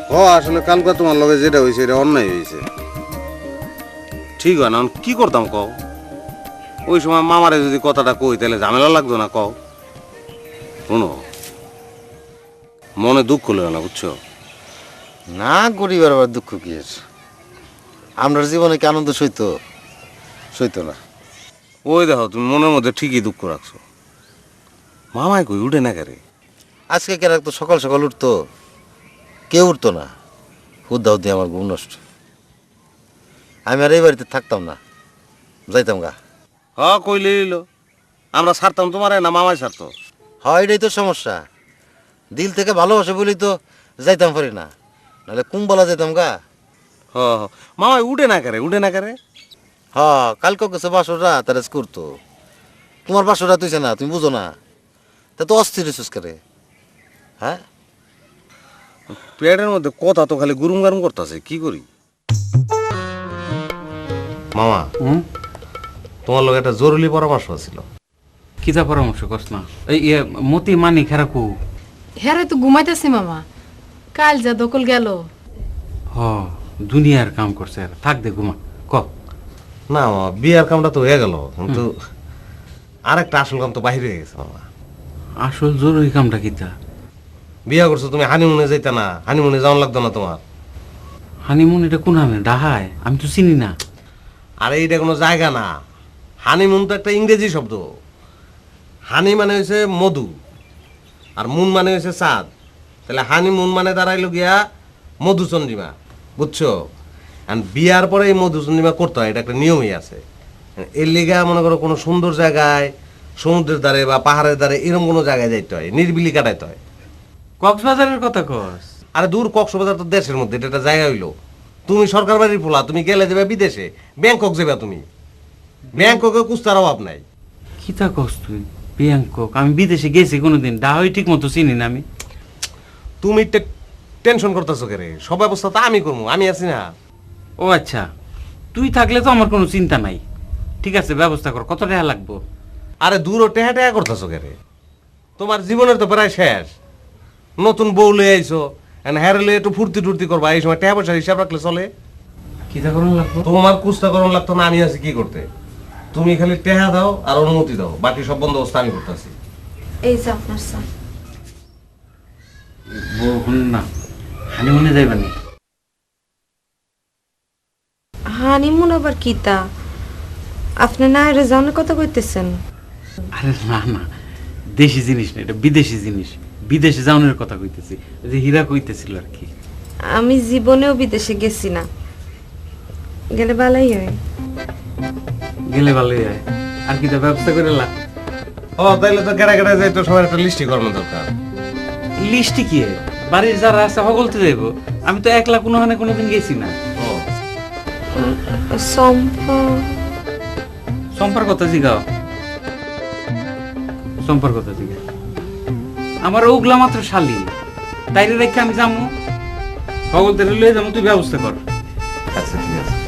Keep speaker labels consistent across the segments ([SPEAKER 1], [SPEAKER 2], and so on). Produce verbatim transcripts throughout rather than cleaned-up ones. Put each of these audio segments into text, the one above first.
[SPEAKER 1] ও আসলে কালকে তোমার লগে যেটা হয়েছে এটা অন্যায় হয়েছে। ঠিক হয় না, কি করতাম কও? ওই সময় মামারে যদি কথাটা কই তাহলে ঝামেলা লাগতো না কও? শোনো, মনে দুঃখ লয় না, বুঝছো?
[SPEAKER 2] না, গরিবের আবার দুঃখ কি এর? আমরা জীবনে কি আনন্দ সইত সইত না?
[SPEAKER 1] ওই দেখো, তুমি মনের মধ্যে ঠিকই দুঃখ রাখছো। মামাই কই উঠে না কেরে?
[SPEAKER 2] আজকে কেন তো সকাল সকাল উঠতো, কেউ উঠতো না। হুদ্দা হুদ্দি আমার ঘুম নষ্ট। আমি আর এই বাড়িতে থাকতাম না, যাইতাম গা।
[SPEAKER 1] হ কইলে এলো, আমরা ছাড়তাম তোমারে না মামাই ছাড়তো?
[SPEAKER 2] হয়, এটাই তো সমস্যা। দিল থেকে ভালোবাসে বলেই তো যাইতাম পারি না, নাহলে কুম্বলা যাইতাম গা।
[SPEAKER 1] হ হ, মামাই উঠে না কেরে? উঠে না কেরে?
[SPEAKER 2] হ, কালকে গেছে বাসরা তারা করতো। তোমার বাসরা তুইছে না, তুমি বুঝো না। তা তো অস্থির হইছিস করে। হ্যাঁ,
[SPEAKER 1] পেটের মধ্যে কথা তো খালি গুরুম গারুম করতেছে, কি করি? মামা,
[SPEAKER 3] হুম,
[SPEAKER 1] তোমার লোক একটা জরুরি পরামর্শ ছিল।
[SPEAKER 3] কিতা পরামর্শ কস না? এই ইয়ে মতি মানি খেরাকু।
[SPEAKER 4] হ্যাঁ তো ঘুমাইতেছি মামা, কাল যা দকল গেল।
[SPEAKER 3] হ, দুনিয়ার কাম করছে আর থাক দে ঘুমা। ক
[SPEAKER 1] না মামা, বিয়ার কামটা তো হয়ে গেল, কিন্তু আর একটা আসল কাম তো বাহিরে হয়ে গেছে মামা।
[SPEAKER 3] আসল জরুরি কামটা কিতা?
[SPEAKER 1] বিয়া করছো তুমি, হানিমুনে যাইতা না? হানিমুনে যাওয়ান লাগতো না তোমার?
[SPEAKER 3] হানিমুন এটা কোন হামে? ডাহায়? আমি তো চিনি না।
[SPEAKER 1] আরে এইটা কোনো জায়গা না, হানিমুন তো একটা ইংরেজি শব্দ। হানি মানে হয়েছে মধু, আর মুন মানে হয়েছে চাঁদ। তাহলে হানিমুন মানে দাঁড়াইলো গিয়া মধুচন্দ্রিমা, বুঝছো? আর বিয়ার পরে এই মধুচন্দ্রিমা করতে হয়, এটা একটা নিয়মই আছে। এর লিগা মনে করো কোনো সুন্দর জায়গায়, সমুদ্রের ধারে বা পাহাড়ের ধারে এরকম কোনো জায়গায় যাইতে হয়, নির্বিলি কাটাইতে হয়।
[SPEAKER 3] কক্সবাজারের কথা কস?
[SPEAKER 1] আরে দূর, কক্সবাজার তো দেশের মধ্যে, এটা একটা জায়গা হইলো। তুমি সরকার বাড়ির পোলা, তুমি গেলে যাবে বিদেশে, ব্যাংকক যাবে তুমি। ব্যাংককে কুস্তার অভাব নাই।
[SPEAKER 3] কিতা কস তুই? ব্যাংকক? আমি বিদেশে গেছি কোনোদিন, ডাহাই ঠিক মতো চিনি না আমি।
[SPEAKER 1] তুমি টেনশন করতেছো কেরে? সব ব্যবস্থা তো আমি করবো, আমি আছি না।
[SPEAKER 3] ও আচ্ছা, তুই থাকলে তো আমার কোনো চিন্তা নাই। ঠিক আছে, ব্যবস্থা কর। কত টাকা লাগবো?
[SPEAKER 1] আরে দূর টেহা টেহা করতেছো কেরে? তোমার জীবনের তো প্রায় শেষ। নতুন বউ লয়ে আইছো, হ্যারেলে একটু ফুর্তি টুর্তি করবা, এই সময় টেহা পয়সা হিসাব রাখলে চলে?
[SPEAKER 3] কিতা করুন লাগবো?
[SPEAKER 1] তোমার কুস্তা করণ লাগতো না, আমি আছি কি করতে। তুমি খালি টেহা দাও আর অনুমতি দাও, বাকি সব বন্দোবস্ত আমি করতেছি।
[SPEAKER 4] এই যে আপনার স্যার।
[SPEAKER 3] বলুন না, হানিমুনে যাইবানি?
[SPEAKER 4] হানিমুন আবার কিতা? আপনি না এর জানে কথা কইতেছেন?
[SPEAKER 3] আরে না না, দেশি জিনিস না, এটা বিদেশি জিনিস। বিদেশে যাওয়ানোর কথা কইতেছি, ওই যে হীরা কইতেছিল আর কি।
[SPEAKER 4] আমি জীবনেও বিদেশে গেছি না, গেলে ভালোই হয়।
[SPEAKER 3] গেলে ভালোই হয়। আর কিতা ব্যবস্থা করে লা?
[SPEAKER 1] ও তাইলে তো কেড়া কেড়া যাই, তো সবার একটা লিস্টি করানো দরকার।
[SPEAKER 3] লিস্টি কি? বাড়ির যারা আছে সকলতে যাইব। আমি তো একলা কোনো হানে কোনোদিন গেছি না।
[SPEAKER 1] ও
[SPEAKER 4] সম্পা
[SPEAKER 3] সম্পার কথা জিগাও, সম্পার কথা জিগাও। আমার ওগুলা মাত্র শালি, তাইলে রেখে আমি যাবো। সকলতে লয়ে যাবো, তুই ব্যবস্থা কর।
[SPEAKER 1] আচ্ছা ঠিক আছে।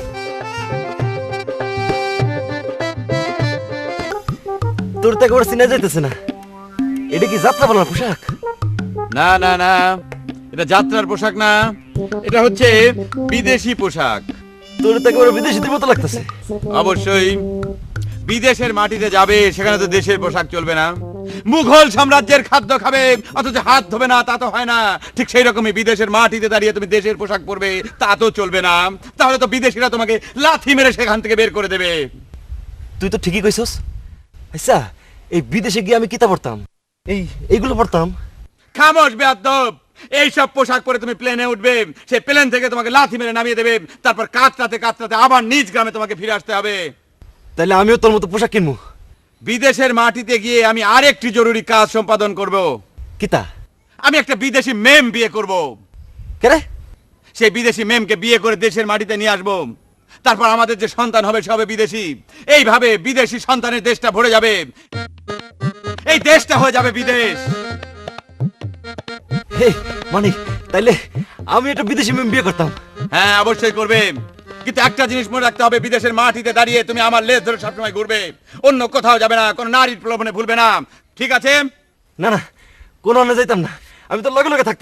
[SPEAKER 5] তোর তো একবার চিনা যাইতেছে না। এটা কি যাত্রা বলার পোশাক?
[SPEAKER 6] না না না, এটা যাত্রার পোশাক না, এটা হচ্ছে বিদেশি পোশাক।
[SPEAKER 5] তোর তো একবার বিদেশিদের মতো লাগতেছে।
[SPEAKER 6] অবশ্যই বিদেশের মাটিতে যাবে, সেখানে তো দেশের পোশাক চলবে না। মুঘল সাম্রাজ্যের খাদ্য খাবে অথচ হাত ধোবে না, তা তো হয় না। ঠিক সেই রকমই বিদেশের মাটিতে দাঁড়িয়ে তুমি দেশের পোশাক পরবে, তা তো চলবে না। তাহলে তো বিদেশিরা তোমাকে লাথি মেরে সেখান থেকে বের করে দেবে।
[SPEAKER 5] তুই তো ঠিকই কইছস। আচ্ছা, এই বিদেশে গিয়ে আমি কিতা পড়তাম? এই এইগুলো পড়তাম।
[SPEAKER 6] খামোশ বেয়াদব! এইসব পোশাক পরে তুমি প্লেনে উঠবে, সেই প্লেন থেকে তোমাকে লাথি মেরে নামিয়ে দেবে, তারপর কাতরাতে কাতরাতে আবার নিজ গ্রামে তোমাকে ফিরে আসতে হবে।
[SPEAKER 5] তাইলে আমিও তোর মতো পোশাক কিনবো।
[SPEAKER 6] বিদেশের মাটিতে গিয়ে আমি আরেকটি জরুরি কাজ সম্পাদন করব।
[SPEAKER 5] কিতা?
[SPEAKER 6] আমি একটা বিদেশি মেম বিয়ে করব।
[SPEAKER 5] কেরে?
[SPEAKER 6] সেই বিদেশি মেমকে বিয়ে করে দেশের মাটিতে নিয়ে আসবো। তারপর আমাদের যে সন্তান হবে সে হবে বিদেশি। এইভাবে বিদেশি সন্তানের দেশটা ভরে যাবে, এই দেশটা হয়ে যাবে বিদেশ।
[SPEAKER 5] হে মানিক, তাইলে আমি একটা বিদেশি মেম বিয়ে করতাম।
[SPEAKER 6] হ্যাঁ অবশ্যই করবে, কিন্তু একটা জিনিস মনে রাখতে হবে, বিদেশের মাটিতে দাঁড়িয়ে তুমি আমার লেজ ধরে সবসময় ঘুরবে, অন্য কোথাও যাবে না, কোনো নারীর প্রলোভনে ভুলবে না, ঠিক আছে?
[SPEAKER 5] না না, কোনো অন্য যাইতাম না, আমি তো লগে লগে থাকতাম।